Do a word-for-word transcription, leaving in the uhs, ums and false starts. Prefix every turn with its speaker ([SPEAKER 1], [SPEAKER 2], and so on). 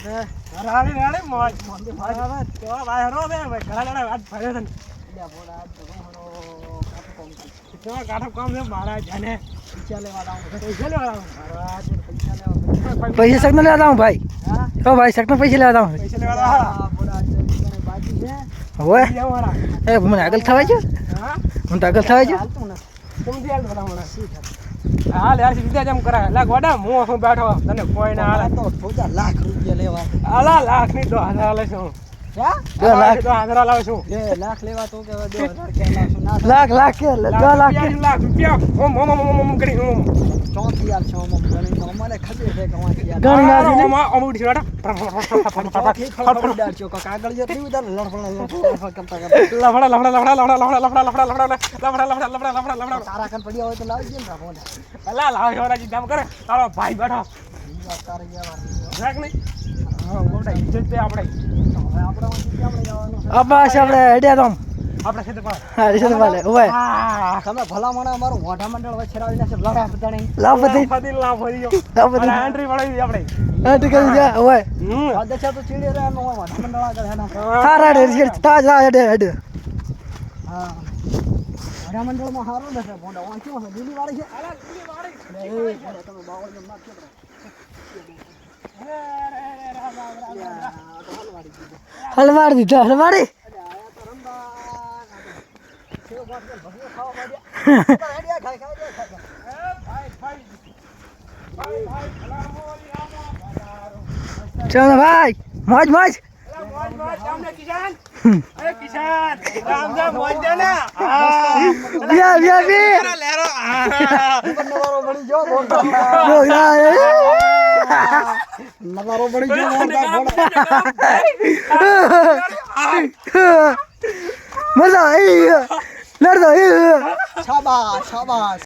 [SPEAKER 1] રાડે રાડે મોજ મોંદે બરાબર તો ભાઈ હરો બે ભાઈ ઘણા ઘણા વાત ફર્યો તને લે બોડા આજ તો હરો કાઠો કામ તો કાઠો કામ છે મારા જાને પૈસા લેવા આવું પૈસા લેવા આવું મારા આજ પૈસા લેવા
[SPEAKER 2] પૈસા શકને લેવા આવું ભાઈ
[SPEAKER 1] હા
[SPEAKER 2] તો ભાઈ શકને પૈસા લેવા આવું
[SPEAKER 1] પૈસા લેવા આવું બોડા આજ તને બાકી છે
[SPEAKER 2] હોય
[SPEAKER 1] લેવારા
[SPEAKER 2] એ મને આગળ થવાય છે
[SPEAKER 1] હા
[SPEAKER 2] હું તો આગળ થવાય છે
[SPEAKER 1] હાલતું ને तुम दिया बता मला શું થાય હાલ યાર સીધા જેમ કરાય લા ગોડા હું હું બેઠો તને કોઈ ના હાલે
[SPEAKER 3] તો થોડા લાખ રૂપિયા લેવા
[SPEAKER 1] આલા લાખ ની તો હજાર લે છું
[SPEAKER 3] ક્યાં
[SPEAKER 2] દો લાખ
[SPEAKER 1] તો હજાર લાવ છું
[SPEAKER 3] બે લાખ લેવા તો કે દો હજાર કે લાવશું ના
[SPEAKER 2] લાખ લાખ કે દો લાખ કે
[SPEAKER 1] લાખ રૂપિયા ઓમ ઓમ ઓમ ઓમ કરી ઓમ
[SPEAKER 3] ચોથી યાર છો મમ ગણી તો મને ખબર છે કે વાંચી યાર
[SPEAKER 2] ગણી ના દીને
[SPEAKER 1] ઓમ ઓમ ઉડી બેટા
[SPEAKER 3] ચોથી ખબર ડાર છો કાગળ જે નહીં ઉધાર લડફડા લડફડા કરતા કરતા
[SPEAKER 1] લફડા લફડા લફડા લફડા લફડા લફડા લફડા લફડા લફડા લફડા લફડા લફડા
[SPEAKER 3] તારા કન પડ્યા હોય તો લાવી દે ને ફોન
[SPEAKER 1] અલા લાવ હેરાજી કામ કરે તારો ભાઈ બેઠો
[SPEAKER 3] તારે યાર
[SPEAKER 1] રાખ નહીં હા મોટા ઇજ્જત તે આપણે
[SPEAKER 3] હવે આપણે વાંચી કેમ લઈ જવાનું
[SPEAKER 2] અબ્બાસ આપણે હેડ્યા તો
[SPEAKER 1] આપણે છે તો પાડ
[SPEAKER 2] હા રીસે તો પાલે ઓય
[SPEAKER 1] હા
[SPEAKER 3] તમે ભલા મને અમારું મોઢા મંડળ વચ્ચે રાવી નાખે લડા બતાણી
[SPEAKER 2] લાવ બધી
[SPEAKER 1] ફદીલ ના ફરી ગયો
[SPEAKER 2] લાવ બધી
[SPEAKER 1] અને એન્ટ્રી વળાવી આપણે
[SPEAKER 2] હા ઠીક છે જા ઓય
[SPEAKER 1] હમ
[SPEAKER 3] આ દશા તો ચીડી રહેવાનું હોય મોઢા મંડળ આગળ હે ના
[SPEAKER 2] હા રાડે રીસે તાજ રા હેડે હેડે
[SPEAKER 3] હા મોઢા મંડળમાં હારું નથી મોઢા વાંચ્યો છે દિલ્હી વાળી છે
[SPEAKER 1] અલા દિલ્હી વાળી
[SPEAKER 3] એ તમે બાવળ જમ નાખજો
[SPEAKER 2] હલવાડ દીધા હલવાડી ચલો ભાઈ મોજ મોજ
[SPEAKER 1] મોજ મોજ સામને કિશન અરે કિશન રામ રામ મોજ દે ને
[SPEAKER 2] બિયા બિયા બી
[SPEAKER 1] લેરો
[SPEAKER 3] નવારો બની જો મોટા
[SPEAKER 2] ઓ યાર
[SPEAKER 3] નવારો બની જો મોટા
[SPEAKER 2] મજા આવી લડતો
[SPEAKER 3] શાબાશ શાબાશ